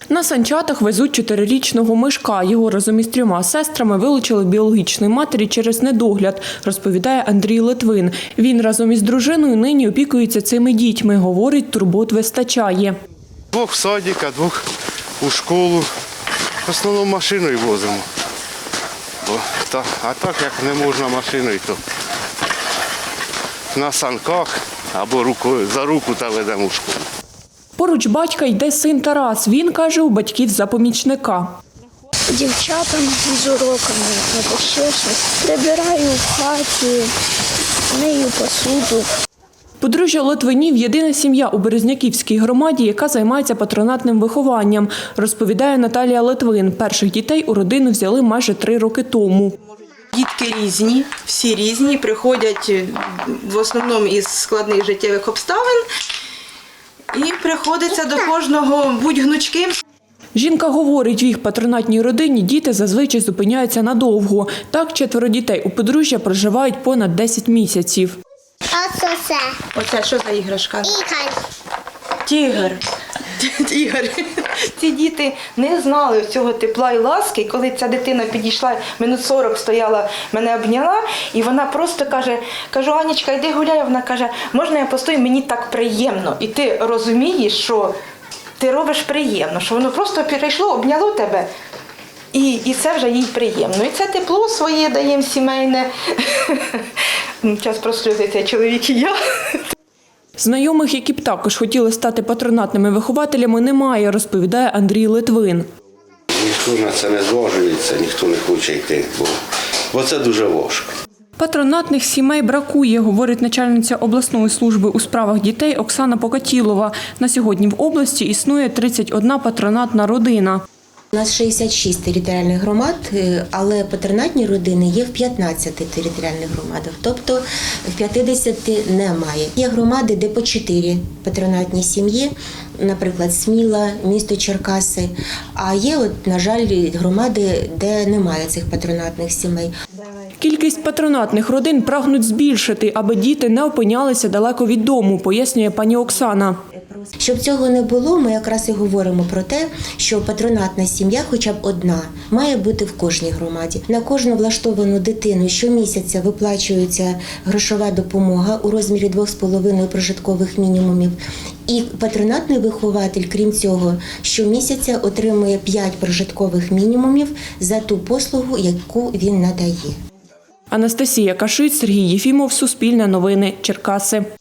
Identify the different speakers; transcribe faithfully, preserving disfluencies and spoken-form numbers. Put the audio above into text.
Speaker 1: На санчатах везуть чотирирічного Мишка. Його разом із трьома сестрами вилучили біологічної матері через недогляд, розповідає Андрій Литвин. Він разом із дружиною нині опікується цими дітьми. Говорить, турбот вистачає.
Speaker 2: Двох в садик, а двох у школу. В основному машиною возимо. А так, як не можна машиною, то на санках або рукою, за руку та ведемо в школу.
Speaker 1: Поруч батька йде син Тарас. Він, каже, у батьків за помічника.
Speaker 3: Дівчатам з уроками або ще щось. Прибираю в хаті, мию посуду.
Speaker 1: Подружжя Литвинів – єдина сім'я у Березняківській громаді, яка займається патронатним вихованням, розповідає Наталія Литвин. Перших дітей у родину взяли майже три роки тому.
Speaker 4: Дітки різні, всі різні, приходять в основному із складних життєвих обставин і приходиться до кожного бути гнучким.
Speaker 1: Жінка говорить, в їх патронатній родині діти зазвичай зупиняються надовго. Так, четверо дітей у подружжя проживають понад десять місяців.
Speaker 3: А це все.
Speaker 4: Оце що за іграшка?
Speaker 3: Ігор.
Speaker 4: Тігр. Тігр. Ці діти не знали цього тепла і ласки. Коли ця дитина підійшла, минут сорок стояла, мене обняла, і вона просто каже, кажу, Анечка, йди гуляй. Вона каже, можна я постою, мені так приємно. І ти розумієш, що ти робиш приємно, що воно просто перейшло, обняло тебе. І, і це вже їй приємно. І це тепло своє даємо сімейне. Час прослюзиться чоловік і я.
Speaker 1: Знайомих, які б також хотіли стати патронатними вихователями, немає, розповідає Андрій Литвин.
Speaker 5: Ніхто на це не зважується, ніхто не хоче йти, бо, бо це дуже важко.
Speaker 1: Патронатних сімей бракує, говорить начальниця обласної служби у справах дітей Оксана Покатілова. На сьогодні в області існує тридцять одна патронатна родина.
Speaker 6: У нас шістдесят шість територіальних громад, але патронатні родини є в п'ятнадцяти територіальних громадах, тобто в п'ятдесяти немає. Є громади, де по чотири патронатні сім'ї, наприклад, Сміла, місто Черкаси, а є, от, на жаль, громади, де немає цих патронатних сімей.
Speaker 1: Кількість патронатних родин прагнуть збільшити, аби діти не опинялися далеко від дому, пояснює пані Оксана.
Speaker 6: Щоб цього не було, ми якраз і говоримо про те, що патронатна сім'я, хоча б одна, має бути в кожній громаді. На кожну влаштовану дитину щомісяця виплачується грошова допомога у розмірі двох з половиною прожиткових мінімумів. І патронатний вихователь, крім цього, щомісяця отримує п'ять прожиткових мінімумів за ту послугу, яку він надає.
Speaker 1: Анастасія Кашиць, Сергій Єфімов, Суспільне новини, Черкаси.